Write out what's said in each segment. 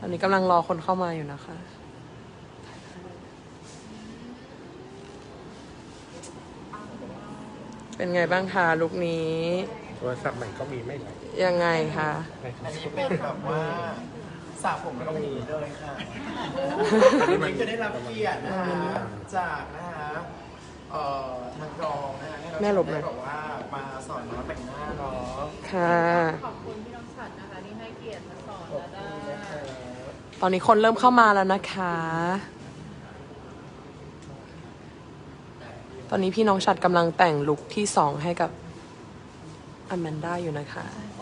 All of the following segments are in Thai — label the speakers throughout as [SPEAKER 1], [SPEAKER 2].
[SPEAKER 1] อนนี้กำลังรอคนเข้ามาอยู่นะคะ เป็นไงบ้างคะลุคนี้
[SPEAKER 2] โทรศัพท์ใหม่ก็มีไม่ไหล
[SPEAKER 1] ยังไงคะ
[SPEAKER 3] อันนี้เป็นแบบว่าสระผมแล้วก็มีเลยค่ะวันนี้จะได้รับเกียรตินะฮะจากนะฮะทางกองนะฮะให้เราได้บอกว่ามาสอนน้องแต่งหน้าเนาะ
[SPEAKER 1] ค่ะ
[SPEAKER 4] ขอบคุณพี่น้องฉัดนะคะที่ให้เกียรติมาสอนและได้
[SPEAKER 1] ตอนนี้คนเริ่มเข้ามาแล้วนะคะ ตอนนี้พี่น้องชัดกำลังแต่งลุคที่2ให้กับอแมนด้าอยู่นะคะ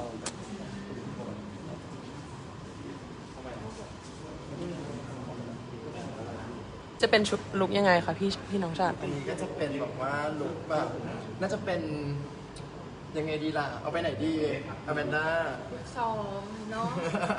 [SPEAKER 1] จะเป็นชุดลุคยังไงคะพี่น้องชัด
[SPEAKER 3] อันนี้ก็จะเป็นแบบว่าลุคแบบน่าจะเป็นยังไงดีล่ะ เอาไปไหนดีอแมนด้า
[SPEAKER 4] ซ้อมเนาะ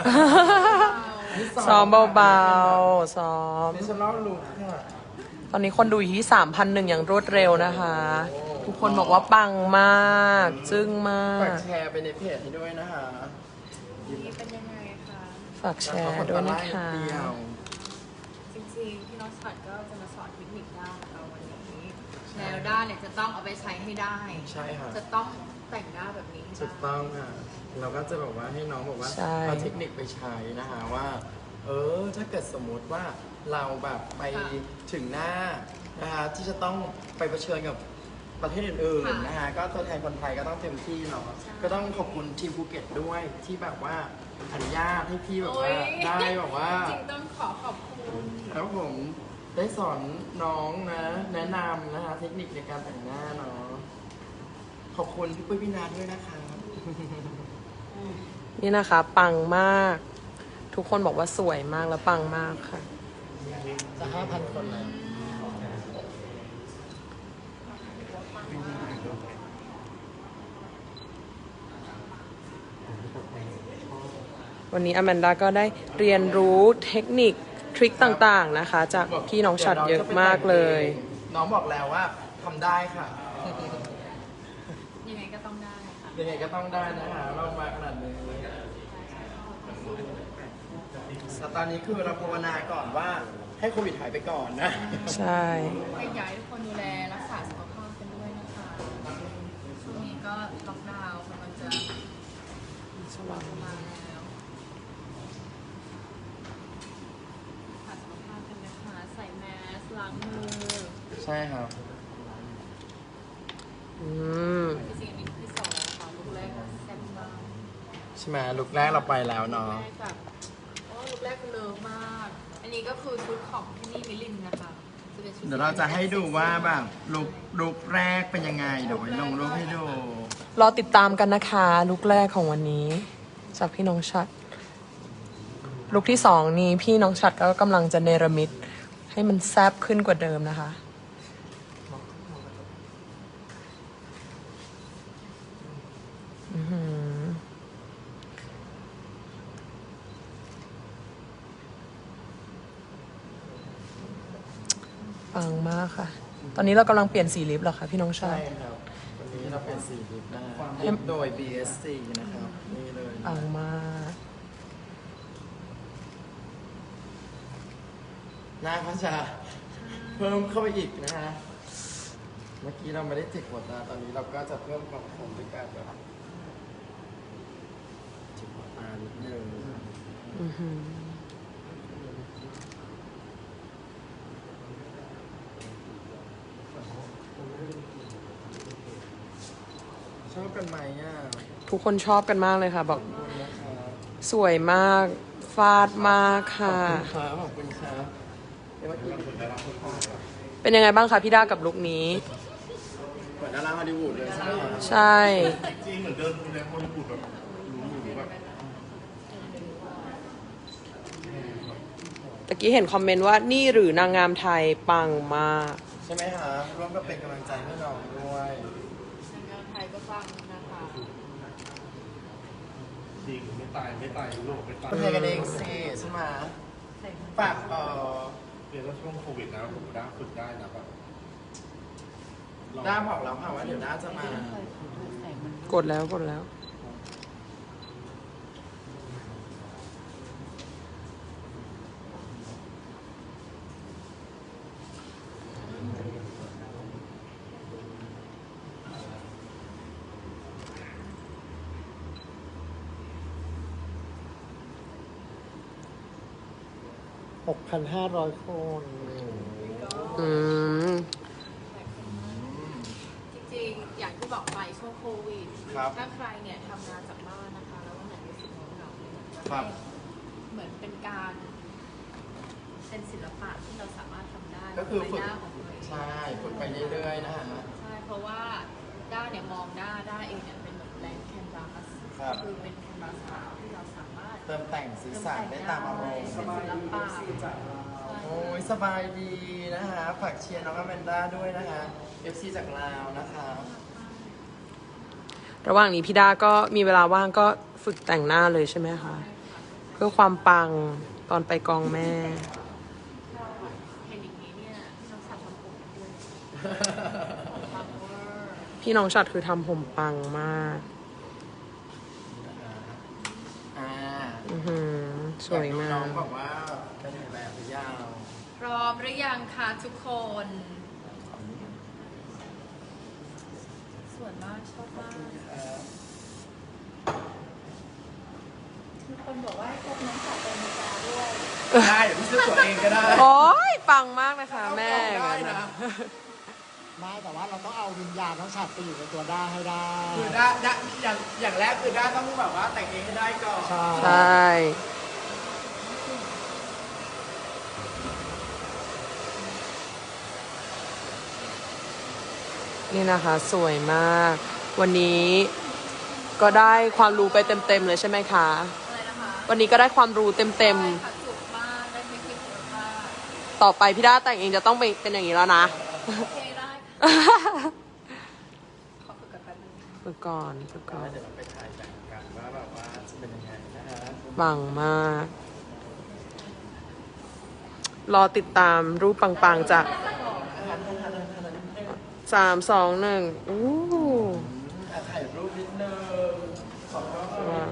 [SPEAKER 1] ซ้อมเบาๆซ้อม
[SPEAKER 3] ดิฉันเล่าลุคค่ะ
[SPEAKER 1] ตอนนี้คนดูอยู่ที่ 3,001 อย่างรวดเร็วนะคะ ทุกคนบอกว่าปังมาก จึ้งมา
[SPEAKER 3] ฝาก กแชร์ไปในเพจให้ด้วยนะคะ
[SPEAKER 4] นี่เป็นยังไงคะ
[SPEAKER 1] ฝากแชร์ด้วยนะคะ
[SPEAKER 3] เดียว
[SPEAKER 4] จริงๆพี่น้องฉัดก็จะมาสอนเทคนิคด้านเราวันนี้แนวด้านเนี่ยจะต้องเอาไปใช้ให้ได้
[SPEAKER 3] ใช่ค่ะ
[SPEAKER 4] จะต้องแต่งหน้าแบบนี้ให้
[SPEAKER 3] ถูก
[SPEAKER 4] ได้
[SPEAKER 3] ต้องค่ะ เราก็จะบอกว่าให้น้องบอกว่า
[SPEAKER 1] ใช่
[SPEAKER 3] เอาเทคนิคไปใช้นะคะว่า ถ้าเกิดสมมุติว่าเราแบบไปถึงหน้านะคะที่จะต้องไปเผชิญกับประเทศอื่นๆนะคะก็ตัวแทนคนไทยก็ต้องเต็มที่เนาะก็ต้องขอบคุณทีมภูเก็ตด้วยที่แบบว่าอนุญาตให้พี่แบบว่าได้แบบว่า
[SPEAKER 4] จริงๆต้องขอบคุณ
[SPEAKER 3] แล้วผมได้สอนน้องนะ แนะนำนะคะเทคนิคในการแต่งหน้าเนาะขอบคุณพี่ปุ้ยพี่นาด้วยนะคะ
[SPEAKER 1] นี่นะคะ ปังมาก ทุกคนบอกว่าสวยมากและปังมากค่ะ
[SPEAKER 3] จะ 5,000 คนแล้ว
[SPEAKER 1] วันนี้อแมนดาก็ได้เรียนรู้เทคนิคทริคต่างๆนะคะ จากพี่น้องชัดเยอะมากเลย
[SPEAKER 3] น้องบอกแล้วว่าทำได้ค่ะ
[SPEAKER 4] ยังไงก็ต้องได้ค่ะ
[SPEAKER 3] ยังไงก็ต้องได้นะคะเรามาขนาดนี้แต่ตอนนี้คือเราภาวนาก่อนว่าให้โควิดหายไปก่อนนะ
[SPEAKER 1] ใช่
[SPEAKER 4] ให้ย้ายทุกคนดูแลรักษาสุขภาพกันด้วยนะคะช่วงนี้ก็ล็อกดาวน์กำลังจะมาแล้วรักษาสุขภาพกันนะคะใส่แมสล้างมือ
[SPEAKER 3] ใช่ครับ
[SPEAKER 1] อืม
[SPEAKER 4] ที่จริงอันนี้ที่สองค่ะลูกแรกแซ่บมาก
[SPEAKER 3] ใช่ไหมลุกแรกเราไปแล้วเนาะ
[SPEAKER 4] แรกแบบโอ้ลูกแรกเลิฟมาก อันนี้ก็คือชุดของที่นี่มิลินนะคะจะเป็นชุด
[SPEAKER 3] เดี๋ยวเราจะให้ดูว่าแบบลุกแรกเป็นยังไงเดี๋ยวไว้ลงรูปให้ดู
[SPEAKER 1] รอติดตามกันนะคะลุคแรกของวันนี้ จากพี่น้องชัด ลุคที่2นี้พี่น้องชัดก็กำลังจะเนรมิตให้มันแซบขึ้นกว่าเดิมนะคะ อื้อหือปังมากค่ะ ตอนนี้เรากำลังเปลี่ยนสีลิปแล้วค่ะพี่น้องชั
[SPEAKER 3] ใช่
[SPEAKER 1] ด
[SPEAKER 3] ครับ วันนี้เราเป็นสีลิปนะลิปโดย BSC นะครับ นี่เลย
[SPEAKER 1] ปังมาก
[SPEAKER 3] หน้าก็จะเพิ่มเข้าไปอีกนะฮะ เมื่อกี้เราไม่ได้จิกหัวตาตอนนี้เราก็จะเพิ่มความคมด้วยการแบบจิกหัวตานิดนึง
[SPEAKER 1] อือหือ
[SPEAKER 3] ชอบกันไหมอ่ะ
[SPEAKER 1] ทุกคนชอบกันมากเลยค่ะ บอก
[SPEAKER 3] ขอบคุณนะครับ
[SPEAKER 1] สวยมาก ฟาดมากค่ะ
[SPEAKER 3] ขอบคุณครับเดี๋ยวเมื่อกี้
[SPEAKER 1] เป็นยังไงบ้างคะพี่ด้ากับลุคนี้
[SPEAKER 3] เหมือนดาราฮอลลีวูดเลยใช่ไหมครับ
[SPEAKER 1] ใช่
[SPEAKER 2] จริงเหมือนเดินดูแลคนพูดแบบรู้อยู่แบบ
[SPEAKER 1] ตะกี้เห็นคอมเมนต์ว่านี่หรือนางงามไทยปังมาก
[SPEAKER 3] ใช่ไหมฮะร่วมก็เป็นกำลังใจให้น้องด้วย
[SPEAKER 4] นางงามไทยก็ฟังนะคะ
[SPEAKER 2] จริงไม่ตายโลกไม่ตาย
[SPEAKER 3] คนไทยกันเองสิใช่ไหมฝาก
[SPEAKER 2] เรียนแล้วช่วงโควิดนะผมได้ฝึกได้นะแบบ
[SPEAKER 3] ด้าบอกแล้วค่ะว่าเดี๋ยวด้าจะมา
[SPEAKER 1] กดแล้วกดแล้ว
[SPEAKER 5] 6,500 คน
[SPEAKER 1] อืม
[SPEAKER 4] จริงๆ อย่างที่บอกไปช่วงโควิด
[SPEAKER 3] ครับ
[SPEAKER 4] ถ้าใครเนี่ยทำงานจากบ้านนะคะ แล้ววันไหนรู้สึกเหงาๆเนี่ย
[SPEAKER 3] ครับ
[SPEAKER 4] เหมือนเป็นการเป็นศิลปะที่เราสามารถทำได้
[SPEAKER 3] ก็คือ
[SPEAKER 4] ใน
[SPEAKER 3] ฝึก
[SPEAKER 4] หน้าของตัวเอง
[SPEAKER 3] ใช่ฝึกไปเรื่อยๆนะฮะ
[SPEAKER 4] ใช่ เพราะว่าด้าเนี่ยมองด้าเองเนี่ยเป็นเหมือนแบงค์แคนวาส
[SPEAKER 3] ครับ
[SPEAKER 4] คือเป็นแคนวาสขาวที่เราสามารถ
[SPEAKER 3] เติมแต่งสีสันได้ตามอารมณ์
[SPEAKER 4] เป็นศิลปะ
[SPEAKER 3] โอ้ยสบายดีนะฮะฝากเชียร์น้องอแมนด้าด้วยนะฮะ FC จากลาวนะคะ
[SPEAKER 1] ระหว่างนี้พี่ด้าก็มีเวลาว่างก็ฝึกแต่งหน้าเลยใช่ไหมคะ เพื่อความปังตอนไปกองแม่
[SPEAKER 4] เห็นอย่างนี้เนี่ยที่น้องสับทำผมด้วยปังเวอร์
[SPEAKER 1] พี่น้องชัดคือทำผมปังมาก
[SPEAKER 3] อ่า
[SPEAKER 1] อือหือสวยมา
[SPEAKER 3] น้อก งบอกว่าเป็นถ่ายแบบหรือยาว
[SPEAKER 4] พร้อมหรือยังคะทุกคน สวยมากชอบมากมีคนบอกว่าให้พบน้องสาวเป็นมิจาด้วย
[SPEAKER 3] ได้เดี๋ยวพี่ซื้อตัวเองก็ได้
[SPEAKER 1] โอ้ยปังมากนะคะแม่
[SPEAKER 3] ได้นะ
[SPEAKER 5] ไม่แต่ว่าเราต้องเอาวิญญาณน้องฉัดไปอยู่ในตัวด้าให้ได้
[SPEAKER 3] คือด้าอย่างแรกคือด้าต้องแบบว่าแต่งเองให้ได้ก่อน
[SPEAKER 1] ใช่ นี่นะคะสวยมาก วันนี้ก็ได้ความรู้ไปเต็มๆเลยใช่ไหมคะ
[SPEAKER 4] อะไรนะคะ
[SPEAKER 1] วันนี้ก็ได้ความรู้เต็ม
[SPEAKER 4] ใช่ค่ะจุกมากได้เทคนิคเยอะมาก
[SPEAKER 1] ๆ ต่อไปพี่ด้าแต่งเองจะต้องเป็นอย่างนี้แล้วนะ
[SPEAKER 4] โอเคได้ค่ะขอฝึกกันแป๊บนึง
[SPEAKER 1] ฝึกก่อนฝึกก่อน
[SPEAKER 3] เดี๋ยวเราไปถ่ายแบบกันว่าแบบว่าจะเป็นยังไงนะฮะ
[SPEAKER 1] ปังมาก รอติดตามรูปปังๆจาก3 2 1อู้
[SPEAKER 3] ถ่ายรูปนิดนึงขอบคุณนิด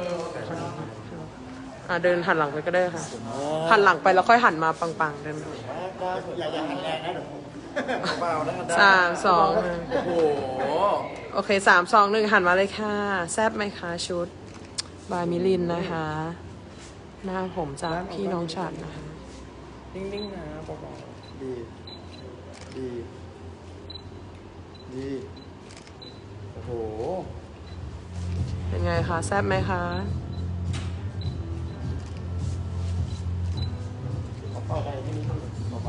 [SPEAKER 3] นึง
[SPEAKER 1] เดินหันหลังไปก็ได้ค่ะ หันหลังไปแล้วค่อยหันมาปังๆเดินไป
[SPEAKER 5] อย่าหันแรงนะเดี๋ยวผม
[SPEAKER 3] เบาๆนะ
[SPEAKER 1] สามสองหนึ่ง
[SPEAKER 3] โอ้โห
[SPEAKER 1] โอเค3 2 1หันมาเลยค่ะ แซบไหมคะชุด บายมิลินนะคะ หน้าผมจากพี่น้องฉัดนะคะ
[SPEAKER 3] นิ่งๆนะเบาๆดีดีโอ้โห
[SPEAKER 1] เป็นไงคะแซบไหมคะ
[SPEAKER 3] เบาๆไปที่นี่เบา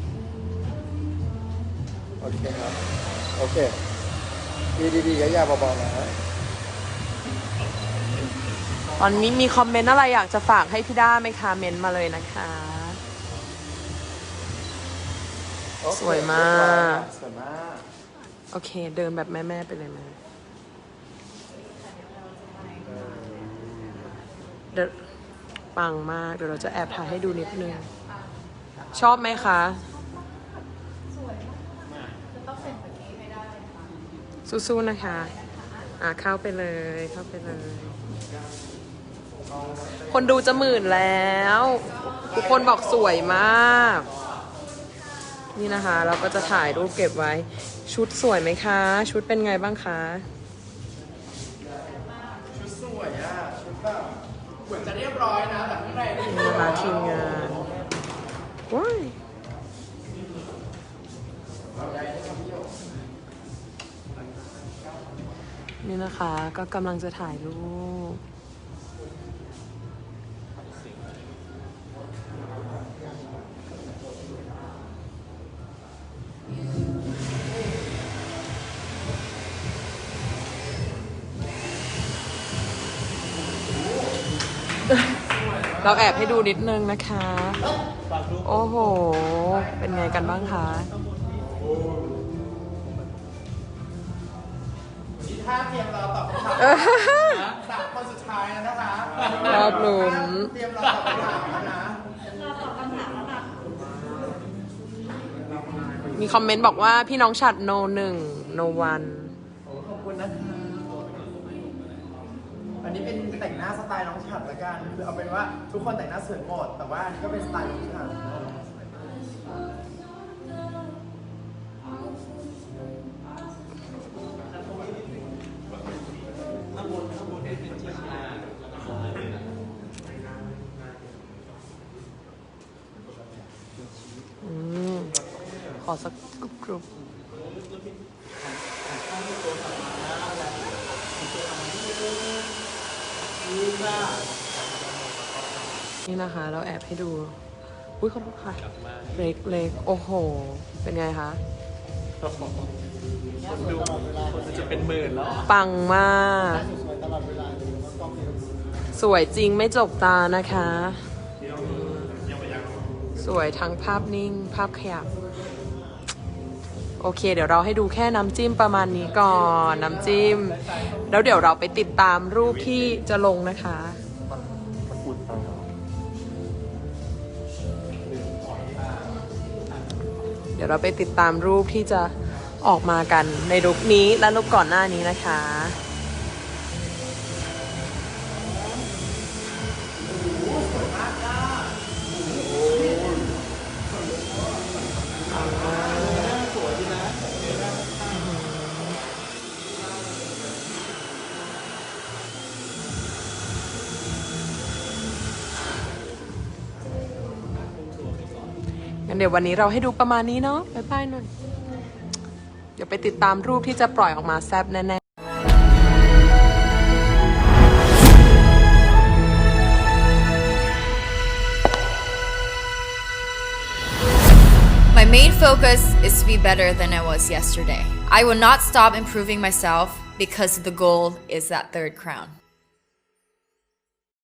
[SPEAKER 3] ๆโอเคครับโอเคดีๆอย่าเบาๆนะ
[SPEAKER 1] ตอนนี้มีคอมเมนต์อะไรอยากจะฝากให้พี่ด้าไหมคะ เมนต์มาเลยนะคะ สวยมาก
[SPEAKER 3] สวยมาก
[SPEAKER 1] โอเค เดินแบบแม่ๆไปเลยแม่เดี๋ยวปังมาก เดี๋ยวเราจะแอบถ่ายให้ดูนิดนึง ชอบไหมคะ
[SPEAKER 4] จะต้องเป็นแบบนี้ให้ได้ค่ะ
[SPEAKER 1] สู้ๆนะคะ เข้าไปเลย เข้าไปเลย คนดูจะ10,000แล้ว ทุกคนบอกสวยมาก นี่นะคะ เราก็จะถ่ายรูปเก็บไว้ ชุดสวยไหมคะ ชุดเป็นไงบ้างคะ
[SPEAKER 3] ชุดสวยอ่ะชุดแบบเหมือนจะเรียบร้อยนะแต่ข้างในนี่
[SPEAKER 1] นี่นะคะทีมงานว้ายนี่นะคะก็กำลังจะถ่ายรูป เราแอบให้ดูนิดนึงนะคะ โอ้โห เป็นไงกันบ้างคะ
[SPEAKER 3] นี่ท่าเตรียมเราตอบคำถามนะ3 คนสุดท้ายแล้วนะคะ
[SPEAKER 1] รอบหลุม
[SPEAKER 3] เตรียมเราตอบคำถามแล้วนะ
[SPEAKER 1] มีคอมเมนต์บอกว่าพี่น้องฉัด no 1 no 1
[SPEAKER 3] ขอบคุณนะคะอันนี้เป็นแต่งหน้าสไตล์น้องฉัดละกันคือเอาเป็นว่าทุกคนแต่งหน้าสวยหมดแต่ว่าอันนี้ก็เป็นสไตล์น้องฉัด
[SPEAKER 1] อสักกรุบนี่นะคะ เราแอบให้ดู อุ้ยขอโทษค่ะเล็กๆ โอ้โห เป็นไงคะ
[SPEAKER 3] คนจะเป็นหมื่นแล้ว
[SPEAKER 1] ปังมาก
[SPEAKER 5] สวยตลอดเวลาเลยว่ากล้องนี้
[SPEAKER 1] สวยจริงไม่จกตานะคะ สวยทั้งภาพนิ่ง ภาพขยับ โอเค เดี๋ยวเราให้ดูแค่น้ำจิ้มประมาณนี้ก่อน น้ำจิ้ม แล้วเดี๋ยวเราไปติดตามรูปที่จะลงนะคะ เดี๋ยวเราไปติดตามรูปที่จะออกมากันในลุคนี้และลุคก่อนหน้านี้นะคะงั้นเดี๋ยววันนี้เราให้ดูประมาณนี้เนาะบ๊ายบายหน่อย เดี๋ยวไปติดตามรูปที่จะปล่อยออกมาแซ่บแน่ๆ
[SPEAKER 6] My main focus is to be better than I was yesterday. I will not stop improving myself because the goal is that third crown.